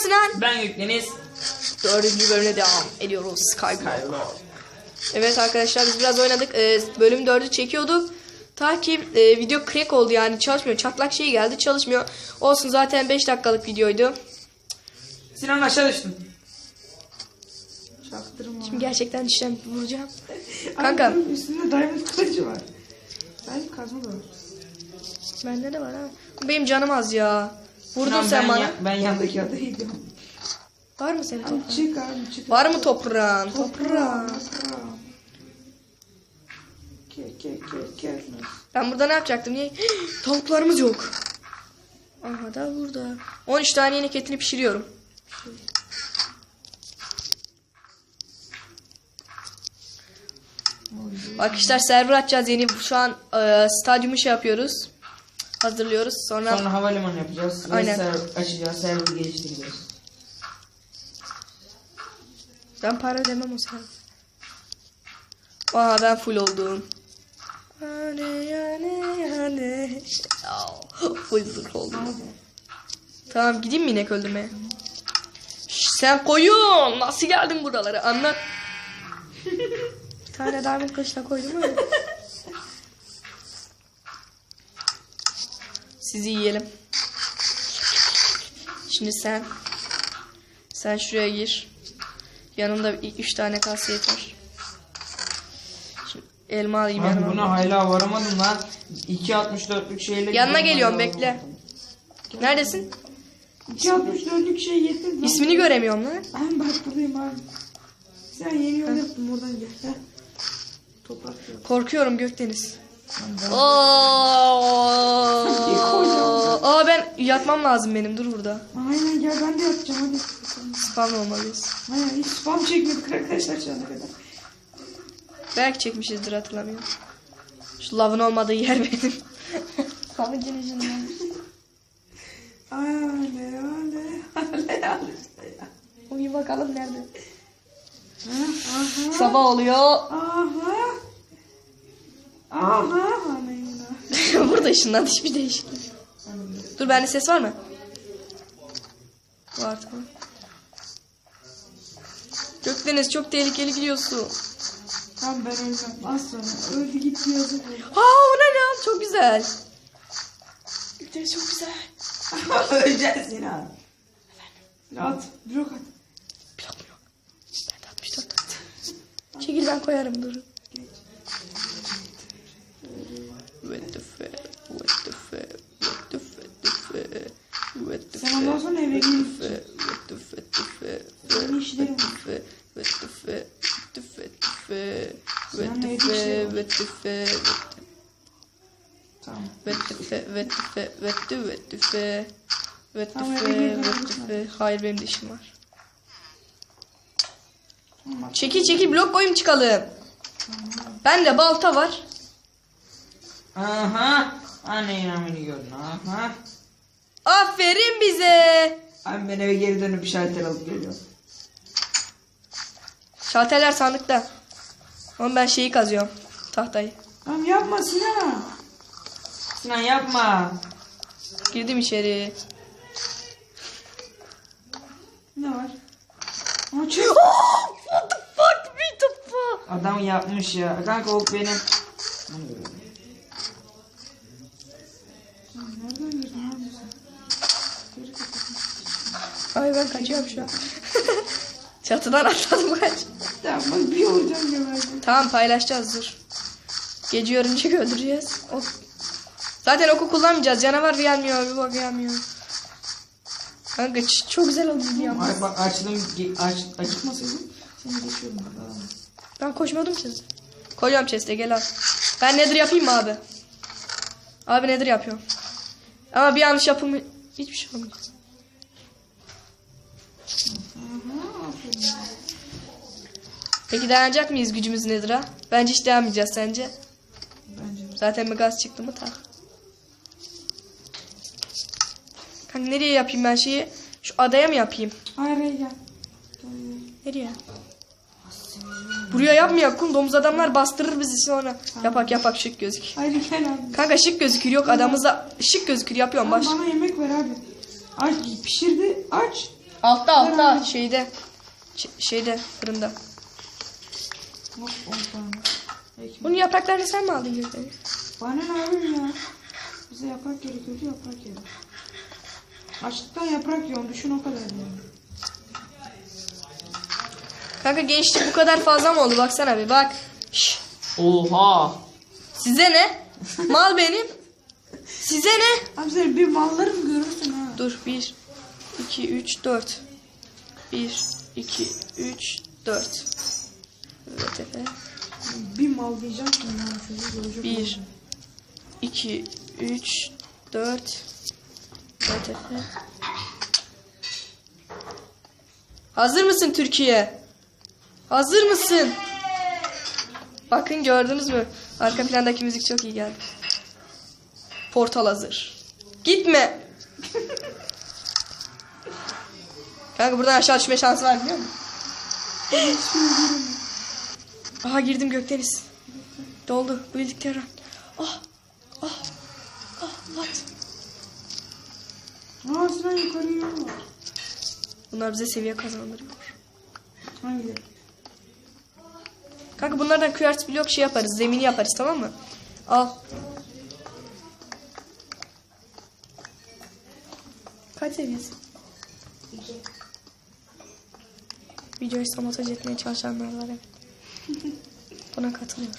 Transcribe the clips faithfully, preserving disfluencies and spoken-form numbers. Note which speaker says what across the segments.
Speaker 1: Sinan?
Speaker 2: Ben Gökdeniz.
Speaker 1: Dördüncü bölümde devam ediyoruz. Skyblock. Evet arkadaşlar biz biraz oynadık. Ee, bölüm dördü çekiyorduk. Ta ki e, video crack oldu yani çalışmıyor. Çatlak şey geldi çalışmıyor. Olsun zaten beş dakikalık videoydu.
Speaker 2: Sinan aşağı düştün.
Speaker 3: Çaktırma.
Speaker 1: Şimdi gerçekten işlem vuracağım. Kanka.
Speaker 3: Ay, üstünde diamond kılıcı var. Ben kazma da var.
Speaker 1: Bende de var ha. Benim canım az ya. Vurdun
Speaker 2: Sinan,
Speaker 1: sen
Speaker 2: ben
Speaker 1: bana.
Speaker 2: Ya, ben yandaki adam.
Speaker 3: Değilim.
Speaker 1: Var mı senin toprağın?
Speaker 3: Abi çık abi çık.
Speaker 1: Var mı toprağın?
Speaker 3: Toprağım. Toprağım. Ke ke ke ke.
Speaker 1: Ben burada ne yapacaktım? Niye? Tavuklarımız yok. Aha da burada. on üç tane yeni etini pişiriyorum. Arkadaşlar server açacağız yeni. Şu an e, stadyumu şey yapıyoruz. Hazırlıyoruz. Sonra,
Speaker 2: Sonra havalimanı yapacağız.
Speaker 1: Aynen.
Speaker 2: Aynen. Server açacağız. Server'ı geliştireceğiz.
Speaker 1: ben para demem o server. Aha ben full oldum. Hane hane hane. Oh, full zırh oldum. Tamam gideyim mi inek öldürmeye? Şş, sen koyun. Nasıl geldin buralara? Anlat. Bir tane diamond kılıçla koydum öyle. Sizi yiyelim. Şimdi sen. Sen şuraya gir. Yanımda ilk üç tane kase yeter. Şimdi elma alayım
Speaker 2: Ben
Speaker 1: yanıma.
Speaker 2: buna hala varamadım lan. iki altmış dörtlük şeyle.
Speaker 1: Yanına
Speaker 2: gidiyorum,
Speaker 1: geliyorum
Speaker 2: hala
Speaker 1: bekle.
Speaker 2: varamadım.
Speaker 1: Neredesin?
Speaker 3: iki altmış dörtlük şey yetmez.
Speaker 1: İsmini göremiyorum lan.
Speaker 3: Ben bak buradayım abi. Sen yeni yol yaptın oradan gel. Heh. Toprak yok.
Speaker 1: Korkuyorum Gökdeniz.
Speaker 3: Ben-
Speaker 1: Oo. Aa ben yatmam lazım benim. Dur burada.
Speaker 3: Aynen gel ben de yapacağım hadi.
Speaker 1: Spam olmalıyız.
Speaker 3: Aynen hiç spam çekmedik arkadaşlar şu ana kadar.
Speaker 1: Belki çekmişizdir hatırlamıyorum. Şu lavın olmadığı yer benim. Lavın yüzünden.
Speaker 3: Ale ale ale ale.
Speaker 1: Uyu bakalım nerede.
Speaker 3: Ha, aha.
Speaker 1: Sabah oluyor.
Speaker 3: Aha. Aha. Amen.
Speaker 1: Burada ışınlandı hiçbir değişiklik. Dur bende ses var mı? Var tamam. Gökdeniz çok tehlikeli gidiyorsun.
Speaker 3: Tamam ben ölmem. Az sonra öldü gitti yazık.
Speaker 1: Aa o ne lan çok güzel. Gökdeniz çok güzel.
Speaker 3: Öleceğiz yine abi. At. Blok at.
Speaker 1: Blok mu yok? Ben de altmış dört attım. Çekil ben koyarım dur. What the fuck? What the fuck? What the fuck? What the fuck?
Speaker 3: Sen ondan sonra eve gidin.
Speaker 1: What the fuck?
Speaker 3: Senin işlerin var.
Speaker 1: What the fuck? What the fuck? What
Speaker 3: Sen
Speaker 1: the
Speaker 3: evde
Speaker 1: fuck?
Speaker 3: işlerin var.
Speaker 1: What the fuck?
Speaker 3: Tamam.
Speaker 1: What the fuck? What the fuck? What the what the fuck? What the
Speaker 3: Tamam,
Speaker 1: fuck?
Speaker 3: eve gir,
Speaker 1: What the
Speaker 3: ben
Speaker 1: fuck? Hayır benim de işim var.
Speaker 3: Tamam.
Speaker 1: Çekil çekil blok boyum çıkalım. Bende balta var.
Speaker 2: Aha. Anne inanmını gördün. Aha.
Speaker 1: Aferin bize.
Speaker 2: Abi ben eve geri dönüp bir şalter alıp geliyorum.
Speaker 1: Şalterler sandıkta. Ama ben şeyi kazıyorum. Tahtayı.
Speaker 3: Tamam yapma Sinan.
Speaker 2: Sinan yapma.
Speaker 1: Girdim içeri.
Speaker 3: Ne var? Aa çöz.
Speaker 1: Oh, what the fuck? What the fuck?
Speaker 2: Adam yapmış ya. Kanka o benim.
Speaker 3: Nereden girdin abi sen? Geri kapat.
Speaker 1: Ay ben kaçıyorum şu an. Çatıdan atladım kaç.
Speaker 3: Tamam bak bir vuracağım geberdim.
Speaker 1: Tamam paylaşacağız dur. Gece örümcek öldüreceğiz. Ok. Zaten oku kullanmayacağız. Canavar gelmiyor. Bir bak gelmiyor. Kanka ç- çok güzel oldu ya.
Speaker 2: Ay bak açtım. ge- Aç, aç.
Speaker 3: Çıkmasaydın seni geçiyorum bak.
Speaker 1: Ben koşmadım ki. Koyuyorum chest'e gel al. Ben nedir yapayım mı abi? Abi nedir yapıyorum. Ama bir yanlış yapımı hiçbir şey olmuyor.
Speaker 3: Aha aferin.
Speaker 1: Peki dayanacak mıyız gücümüz nedir ha? Bence hiç dayanmayacağız sence.
Speaker 3: Bence de.
Speaker 1: Zaten bir gaz çıktı mı tak. Kanka nereye yapayım ben şeyi? Şu adaya mı yapayım?
Speaker 3: Hayır hayır gel.
Speaker 1: Nereye? Buraya yapmayak kum domuz adamlar bastırır bizi sonra. Yapak yapak şık gözük.
Speaker 3: Hayır gel abi.
Speaker 1: Kanka şık gözükür yok adamızda şık gözükür yapıyorum baş.
Speaker 3: Bana yemek ver abi. Aç pişirdi aç.
Speaker 1: Altta altta şeyde. Ş- şeyde fırında.
Speaker 3: Hop on tane. Ekmek.
Speaker 1: Bunun yapraklarını sen mi aldın Gökdeniz?
Speaker 3: Bana ne abim ya? Bize yaprak gerekiyordu, yaprak yedim. Açlıktan yaprak yiyorum, düşün o kadar yani.
Speaker 1: Kanka gençlik bu kadar fazla mı oldu? Baksana bir bak. Şş,
Speaker 2: Oha.
Speaker 1: size ne? Mal benim. Size ne?
Speaker 3: Abi sen bir mallarım görürsün ha.
Speaker 1: Dur bir, iki, üç, dört. Bir, iki, üç, dört. Evet evet.
Speaker 3: Bir mal diyeceğim ki yani çocuğu görecek.
Speaker 1: Bir,
Speaker 3: olacak.
Speaker 1: iki, üç, dört. Evet evet. Hazır mısın Türkiye? Hazır mısın? Bakın gördünüz mü? Arka plandaki müzik çok iyi geldi. Portal hazır. Gitme. Kanka buradan aşağı düşme şansı var biliyor musun? Aha girdim Gökdeniz. Doldu. Bildikleri. Ah. Ah. Ah. At.
Speaker 3: Aa Sinan yukarı yol var.
Speaker 1: Bunlar bize seviye kazandırıyor.
Speaker 3: Hangi?
Speaker 1: Kanka bunlardan Q R blok şey yaparız. Zemini yaparız tamam mı? Al. Kaç seviyesin? Videoyu sabotaj etmeye çalışanlar var evet. Buna katılıyorum.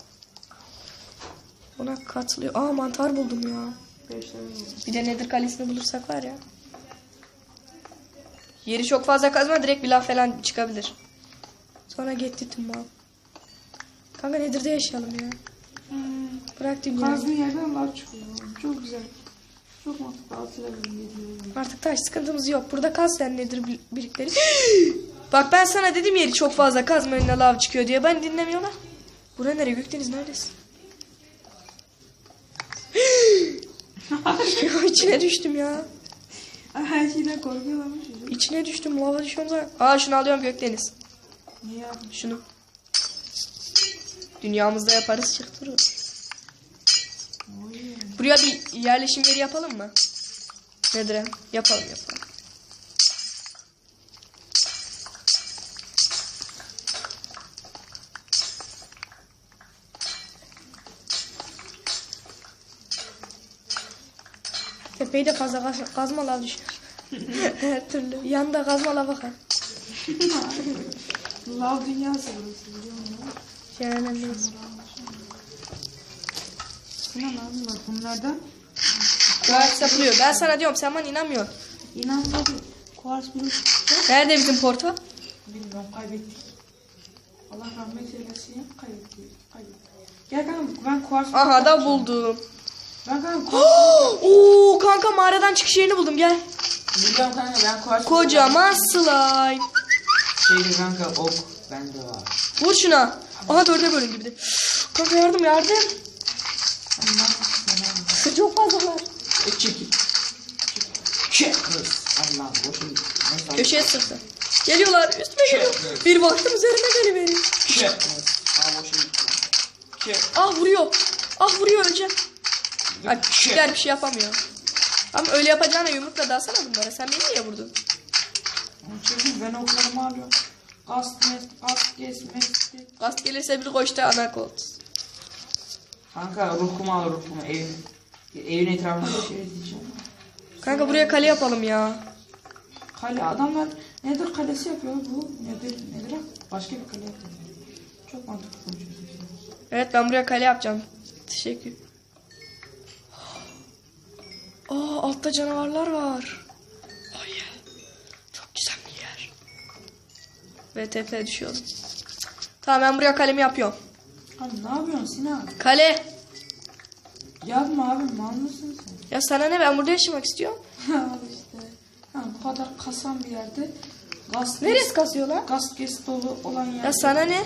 Speaker 1: Buna katılıyor. Aa mantar buldum ya.
Speaker 3: Beş tane oldu.
Speaker 1: Bir de Nether kalesini bulursak var ya. Yeri çok fazla kazma direkt bir laf falan çıkabilir. Sonra gitti tüm mal. Kanka Nether'da yaşayalım ya.
Speaker 3: Hmm.
Speaker 1: Bırak dünyayı.
Speaker 3: Kazdığın yerden lav çıkıyor. Çok güzel. Çok mantıklı. Altı geliyor.
Speaker 1: Artık taş sıkıntımız yok. Burada kaz sen Nether bir- birikleri. Bak ben sana dedim yeri çok fazla kazma önüne lav çıkıyor diye. Ben dinlemiyorlar. Bura nereye? Gökdeniz neredesin? İçine düştüm ya.
Speaker 3: Her şeyden korkuyorlarmış çocuk.
Speaker 1: İçine düştüm. Lava düşüyorum zaten. Aa şunu alıyorum Gökdeniz.
Speaker 3: Niye yapmış?
Speaker 1: Şunu. Dünyamızda yaparız çıktırır.
Speaker 3: Oy.
Speaker 1: Buraya bir yerleşim yeri yapalım mı? Nedir? Yapalım yapalım. Tepeyi de fazla kaz kazma lav düşer. Her türlü. Yanında kazma lav bakar.
Speaker 3: Lav dünyası burası biliyor musun?
Speaker 1: Cehennemdeyiz.
Speaker 3: Sinan abi bak bunlardan
Speaker 1: Kuars yapılıyor. Ben sana diyorum sen bana inanmıyorsun.
Speaker 3: inanmadım. Kuars blok çıktı.
Speaker 1: Nerede bizim portal?
Speaker 3: Bilmiyorum kaybettik. Allah rahmet eylesin ya kaybettik. Kaybettik. Gel kanka ben kuars blok
Speaker 1: Aha da
Speaker 3: yapacağım.
Speaker 1: buldum.
Speaker 3: Ben kanka kuars
Speaker 1: Oo kanka mağaradan çıkış yerini buldum gel.
Speaker 2: Biliyorum kanka ben kuars.
Speaker 1: Kocaman slime.
Speaker 2: Şeyde kanka ok bende var.
Speaker 1: Vur şuna. Aha dörde bölün gibi de. Kanka yardım yardım. Çok fazla var.
Speaker 2: E çekil. Çek kız. Allah boşun. Nasıl?
Speaker 1: Köşeye sıktı. Geliyorlar üstüme geliyor. Bir baktım üzerime geliveriyor.
Speaker 2: Çek kız. Aa boşun. Çek.
Speaker 1: Ah vuruyor. Ah vuruyor öleceğim. Ay küçükler bir şey yapamıyor. Ama öyle yapacağına yumrukla dalsana bunlara. Sen beni niye vurdun?
Speaker 3: Çekil ben oklarımı alıyorum. Gaz mes, gaz kes, mesle.
Speaker 1: Gaz gelirse bir koştu ana kolt.
Speaker 2: Kanka ruhumu al ruhumu evin. Evin etrafında bir şey diyeceğim.
Speaker 1: Kanka buraya kale yapalım ya.
Speaker 3: Kale adamlar nedir kalesi yapıyor bu nedir nedir başka bir kale yapıyor. Çok mantıklı konuşuyorsun.
Speaker 1: Evet ben buraya kale yapacağım. Teşekkür. Aa altta canavarlar var. Ay çok güzel bir yer. V T F düşüyorum. Tamam ben buraya kalemi yapıyorum.
Speaker 3: Abi ne yapıyorsun Sinan?
Speaker 1: Kale.
Speaker 3: Yapma abi mal mısın sen?
Speaker 1: Ya sana ne ben burada yaşamak istiyorum.
Speaker 3: Abi işte. Ha, bu kadar kasan bir yerde gaz
Speaker 1: Neresi kasıyor lan?
Speaker 3: gaz kes dolu olan yerde.
Speaker 1: Ya sana ne?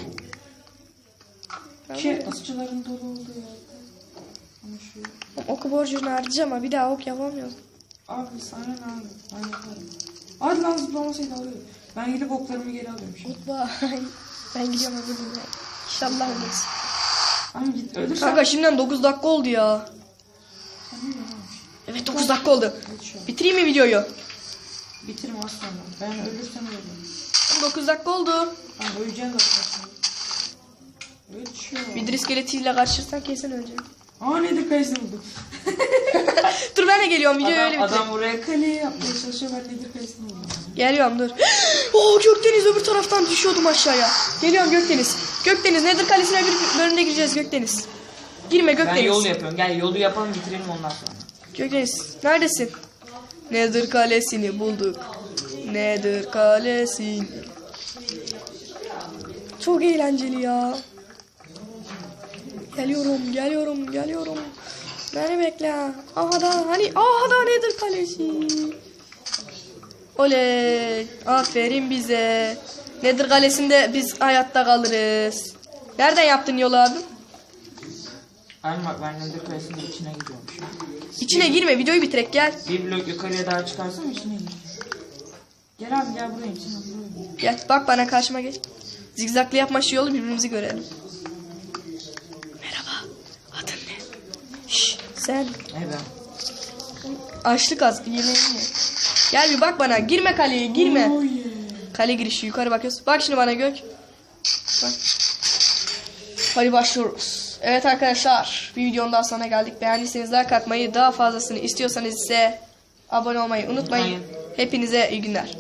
Speaker 3: Şey ısçıların dolu olduğu yerde. Konuşuyor.
Speaker 1: Oku borcunu harcayacağım ama bir daha ok yapamıyorum.
Speaker 3: Abi sana ne abi? Ben yaparım. Hadi lan zıplamasaydı alıyorum. Ben gidip oklarımı geri alıyorum şimdi.
Speaker 1: Goodbye. Ben gidiyorum öbür dünyaya. İnşallah ölürüz.
Speaker 3: Abi git ölürsen.
Speaker 1: Kanka şimdiden dokuz dakika oldu ya.
Speaker 3: Sen ne diyorsun abi?
Speaker 1: Evet dokuz dakika oldu.
Speaker 3: Hadi şu an.
Speaker 1: Bitireyim mi videoyu?
Speaker 3: Bitirme aslanım. Ben ölürsem ölürüm.
Speaker 1: dokuz dakika oldu.
Speaker 3: Ben öleceğim zaten. Ölçüyor.
Speaker 1: Bir iskeletiyle karşılaşırsan kesin öleceğim.
Speaker 3: Aa nedir kayısı buldum.
Speaker 1: Dur ben de geliyorum. Videoyu öyle
Speaker 2: Adam,
Speaker 1: bitireyim.
Speaker 2: adam buraya
Speaker 3: Kaleyi yapmaya çalışıyor, ben nedir kayısını buldum.
Speaker 1: Geliyorum dur. Oo Gökdeniz öbür taraftan düşüyordum aşağıya. Geliyorum Gökdeniz. Gökdeniz Nedir Kalesi'ne bir bölümde gireceğiz Gökdeniz. Girme
Speaker 2: ben
Speaker 1: Gökdeniz.
Speaker 2: yol yapıyorum. Gel yolu yapalım bitirelim ondan sonra.
Speaker 1: Gökdeniz neredesin? Nedir Kalesi'ni bulduk. Nedir Kalesi'ni. Çok eğlenceli ya. Geliyorum, geliyorum, geliyorum. Beni bekle. Aha da hani aha da Nedir Kalesi. Oley. Aferin bize. Nedir Kalesi'nde biz hayatta kalırız. Nereden yaptın yolu abi?
Speaker 2: Aynen bak ben Nedir Kalesi'nin içine gidiyorum şu an.
Speaker 1: İçine girme, videoyu bitirek gel.
Speaker 2: Bir blok yukarıya daha çıkarsam içine gir. Gel abi gel buraya içine buraya.
Speaker 1: Gel bak bana karşıma geç. Zigzaglı yapma şu yolu birbirimizi görelim. Merhaba. Adın ne? Şşş sen.
Speaker 2: Ne ben?
Speaker 1: Açlık az. Yemeğini ye. Gel bir bak bana. Girme kaleye girme.
Speaker 3: Oh yeah.
Speaker 1: Kale girişi yukarı bakıyoruz. Bak şimdi bana Gök. Bak. Hadi başlıyoruz. Evet arkadaşlar. Bir videonun daha sonuna geldik. Beğendiyseniz like atmayı, daha fazlasını istiyorsanız ise abone olmayı unutmayın.
Speaker 2: Unutmayın.
Speaker 1: Hepinize iyi günler.